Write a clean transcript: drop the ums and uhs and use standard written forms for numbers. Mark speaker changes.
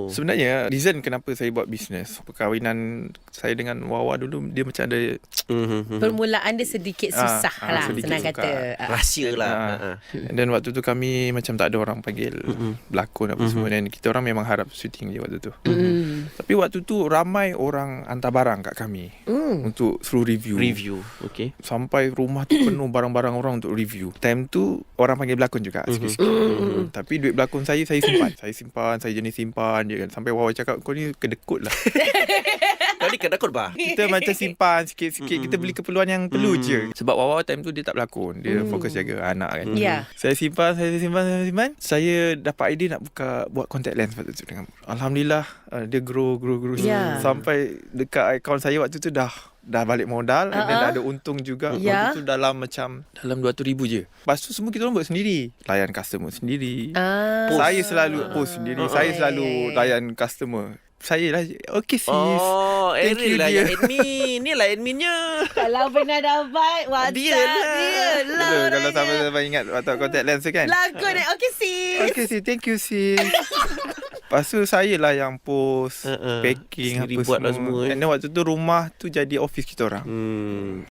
Speaker 1: Sebenarnya reason kenapa saya buat bisnes, perkahwinan saya dengan Wawa dulu, dia macam ada
Speaker 2: Permulaan dia sedikit susah lah,
Speaker 1: sedikit
Speaker 2: senang
Speaker 1: sukar.
Speaker 2: kata.
Speaker 3: Rahsia lah.
Speaker 1: Dan waktu tu kami macam tak ada orang panggil berlakon apa semua. Dan kita orang memang harap syuting je waktu tu. Tapi waktu tu ramai orang hantar barang kat kami untuk suruh review.
Speaker 3: Okay.
Speaker 1: Sampai rumah tu penuh barang-barang orang untuk review. Time tu orang panggil berlakon juga sikit-sikit. Tapi duit berlakon saya simpan. Saya jenis simpan je kan. Sampai Wawa cakap, kau ni kedekut lah.
Speaker 3: Kau ni kedekut bah.
Speaker 1: Kita macam simpan sikit-sikit. Kita beli keperluan yang perlu je. Sebab Wawa time tu dia tak berlakon. Dia fokus jaga anak kan.
Speaker 2: Ya.
Speaker 1: Saya simpan. Saya dapat idea nak buat contact lens waktu tu dengan. Alhamdulillah dia grow.
Speaker 2: Ya.
Speaker 1: Sampai dekat akaun saya waktu tu dah balik modal dan dah ada untung juga. Waktu tu dalam 200,000 je. Lepas tu semua kita orang buat sendiri. Layan customer sendiri. Saya selalu post sendiri. Saya selalu layan customer. Saya lah, okay sis. Thank
Speaker 3: Ariel
Speaker 1: you
Speaker 3: lah
Speaker 1: dia.
Speaker 3: yang admin. Ni lah adminnya.
Speaker 2: Kalau pernah dapat WhatsApp dia lah.
Speaker 1: Kalau sampai ingat waktu contact lens tu kan.
Speaker 2: Lakon okay sis.
Speaker 1: Okay sis, thank you sis. Lepas tu saya lah yang post, packing
Speaker 3: sendiri
Speaker 1: apa
Speaker 3: buat
Speaker 1: semua.
Speaker 3: lah semua.
Speaker 1: And then waktu tu rumah tu jadi office kita orang.